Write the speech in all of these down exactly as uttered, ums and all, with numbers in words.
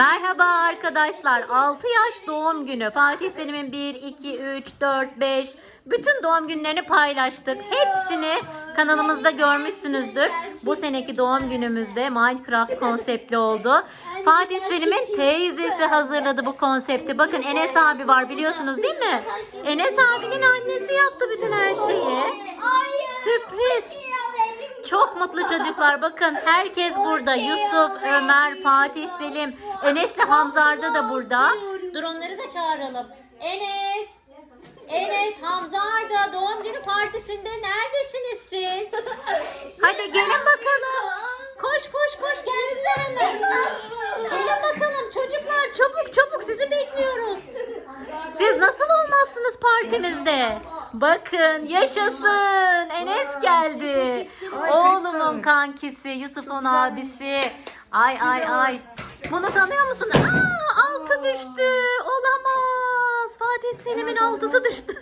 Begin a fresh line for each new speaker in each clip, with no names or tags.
Merhaba arkadaşlar. altı yaş doğum günü. Fatih Selim'in bir, iki, üç, dört, beş bütün doğum günlerini paylaştık. Hepsini kanalımızda görmüşsünüzdür. Bu seneki doğum günümüzde Minecraft konseptli oldu. Fatih Selim'in teyzesi hazırladı bu konsepti. Bakın Enes abi var, biliyorsunuz değil mi? Enes abinin annesi yaptı bütün her şeyi. Sürpriz. Çok mutlu çocuklar. Bakın herkes burada. Yusuf, Ömer, Fatih Selim, Enes'le Hamza Arda da burada. Dur onları da çağıralım. Enes, Enes, Hamza Arda doğum günü partisinde neredesiniz siz? Hadi gelin bakalım. Koş koş koş gelsinler hemen. Gelin bakalım çocuklar, çabuk çabuk sizi bekliyoruz. Siz nasıl olmazsınız partimizde? Bakın yaşasın. Enes geldi. Oğlumun kankisi, Yusuf'un abisi. Ay ay ay. Bunu tanıyor musun? Aa, altı düştü. Olamaz. Fatih Selim'in altısı düştü.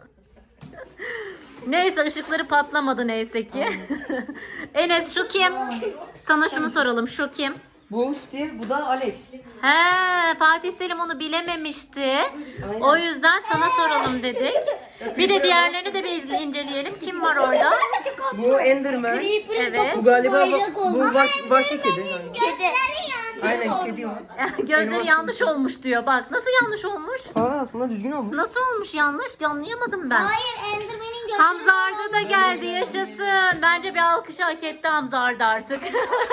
Neyse ışıkları patlamadı neyse ki. Enes şu kim? Sana şunu soralım. Şu kim?
Bu Steve, bu da Alex.
He, Fatih Selim onu bilememişti.
Aynen.
O yüzden sana soralım dedik. Bir de diğerlerini de bir izle- inceleyelim. Kim var orada?
Bu Enderman.
Evet.
Bu galiba bu, bu baş, başka kedi.
Kedi.
Aynen kedi var.
Gözleri
Elmas
yanlış olmuş diyor. Bak nasıl yanlış olmuş?
Aa, aslında düzgün olmuş.
Nasıl olmuş yanlış? Anlayamadım ben.
Hayır, Enderman'in gözü.
Hamza Arda da geldi, yaşasın. Bence bir alkış hak etti Hamza Arda artık.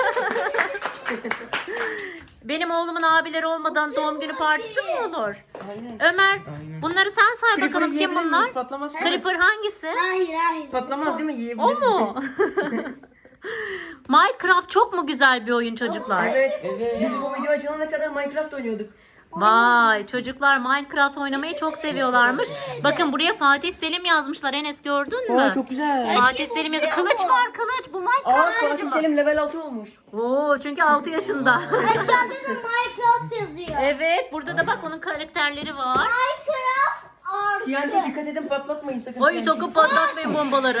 Benim oğlumun abileri olmadan doğum günü partisi mi olur?
Aynen.
Ömer,
Aynen.
bunları sen say
Creeper'ı
bakalım, kim
yiyebilir
bunlar?
miyiz? Patlamaz değil mi?
Creeper hangisi?
Hayır, hayır.
Patlamaz değil mi? Yiyebilir.
O mu? Minecraft çok mu güzel bir oyun çocuklar?
Evet. Biz bu video açılana kadar Minecraft oynuyorduk.
Vay, çocuklar Minecraft oynamayı çok seviyorlarmış. Bakın buraya Fatih Selim yazmışlar. Enes gördün mü?
Aa, çok güzel.
Fatih Selim yazıyor. Kılıç var, kılıç. Bu
Aa,
Minecraft
Fatih
kılıcı mı?
Selim level altı olmuş.
Oo, çünkü altı yaşında.
Aşağıda da Minecraft yazıyor.
Evet, burada da bak onun karakterleri var.
Minecraft artı.
T N T dikkat edin, patlatmayın sakın.
Oy,
T N T.
sokup patlatmayın bombaları.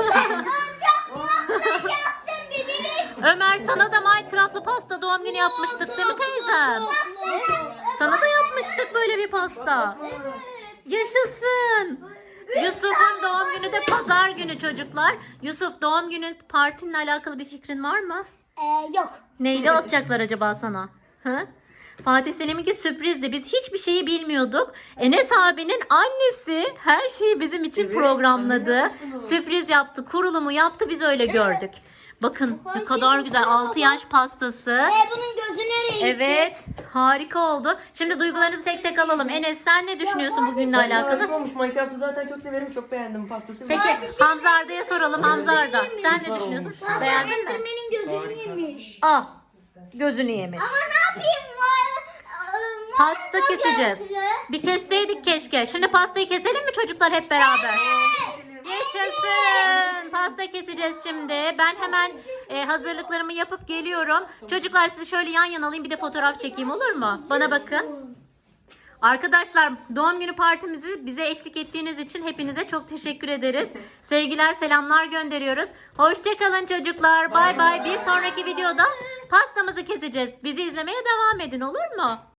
Yaptım birini.
Ömer, sana da Minecraft'lı pasta doğum günü yapmıştık değil mi teyzem? Sana da yapmıştık böyle bir pasta. Yaşasın. Yusuf'un doğum günü de pazar günü çocuklar. Yusuf, doğum günü partinle alakalı bir fikrin var mı?
Ee, yok.
Neyle yapacaklar acaba sana? Hı? Fatih Selim'inki sürprizdi. Biz hiçbir şeyi bilmiyorduk. Enes abinin annesi her şeyi bizim için
Evet,
programladı.
anne yaptı.
Sürpriz yaptı, kurulumu yaptı, biz öyle gördük. Bakın ne kadar güzel, altı yaş pastası.
Ee, bunun gözü nereye?
Evet, harika oldu. Şimdi duygularınızı tek tek alalım. Enes, sen ne düşünüyorsun bugünle
Bence
alakalı?
harika olmuş. Minecraft'ı zaten çok severim. Çok beğendim pastası.
Peki Hamza Arda'ya soralım. Hamza Arda, sen ne düşünüyorsun?
Fazla
Beğendin mi?
Enderman'in gözünü yemiş.
Aa, gözünü yemiş.
Ama ne yapayım? Var-
Pasta
Var-
keseceğiz.
gözlü.
Bir kesseydik keşke. Şimdi pastayı keselim mi çocuklar hep beraber? Yaşasın. Pasta keseceğiz şimdi. Ben hemen e, hazırlıklarımı yapıp geliyorum. Çocuklar sizi şöyle yan yana alayım, bir de fotoğraf çekeyim, olur mu? Bana bakın. Arkadaşlar, doğum günü partimizi bize eşlik ettiğiniz için hepinize çok teşekkür ederiz. Sevgiler, selamlar gönderiyoruz. Hoşçakalın çocuklar. Bay bay. Bir sonraki videoda pastamızı keseceğiz. Bizi izlemeye devam edin, olur mu?